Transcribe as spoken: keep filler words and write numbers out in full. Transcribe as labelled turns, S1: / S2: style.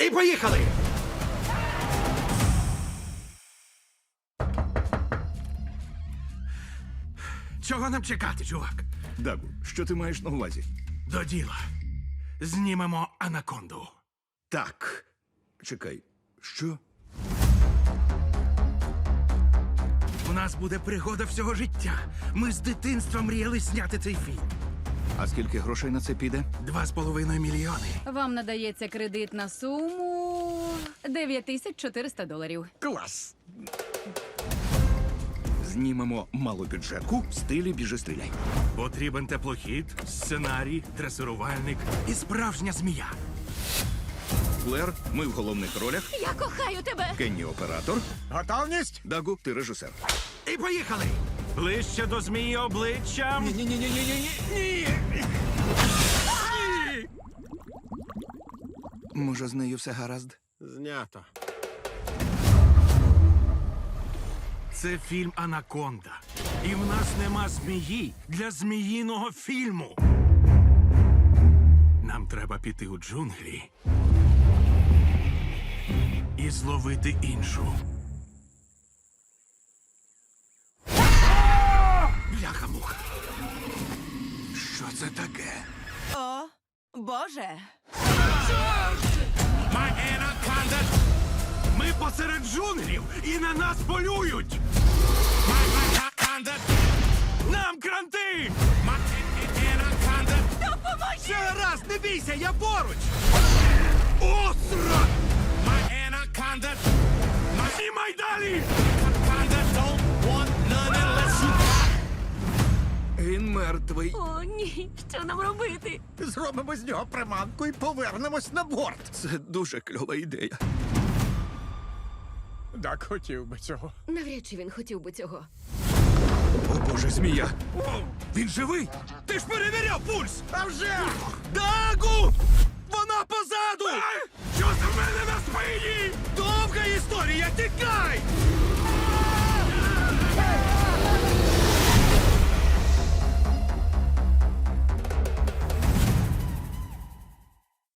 S1: І поїхали! Чого нам чекати, чувак?
S2: Дагу, що ти маєш на увазі?
S1: До діла. Знімемо анаконду.
S2: Так. Чекай, що?
S1: У нас буде пригода всього життя. Ми з дитинства мріяли зняти цей фільм.
S2: А скільки грошей на це піде?
S1: Два з половиною мільйони.
S3: Вам надається кредит на суму дев'ять тисяч чотириста доларів.
S2: Клас! Знімемо малобюджетку в стилі «Біжи, стріляй».
S1: Потрібен теплохід, сценарій, дресирувальник і справжня змія.
S2: Клер, ми в головних ролях.
S3: Я кохаю тебе!
S2: Кенні – оператор.
S1: Готовність?
S2: Дагу, ти режисер.
S1: І поїхали! Ближче до змії обличчям.
S2: Ні-ні-ні-ні-ні-ні! Може, з нею все гаразд?
S1: Знято. Це фільм «Анаконда». І в нас нема змії для зміїного фільму. Нам треба піти у джунглі і зловити іншу. Бляха-муха. Що це таке?
S4: О, Боже!
S1: My Anaconda! Ми посеред джунглів і на нас полюють! My Anaconda! Нам кранти! My Anaconda! Допоможи! Все гаразд, не бійся, я поруч! Остра! My Anaconda! Знімай далі! Anaconda don't want none unless you...
S2: Він мертвий.
S3: О, ні, що нам робити?
S5: Зробимо з нього приманку і повернемось на борт.
S2: Це дуже кльова ідея.
S5: Так хотів би цього.
S3: Навряд чи він хотів би цього.
S2: О, Боже, змія!
S1: Він живий? Ти ж перевіряв пульс!
S5: А вже!
S1: Дагу! Вона позаду! Що це в мене на спині? Довга історія, тікай!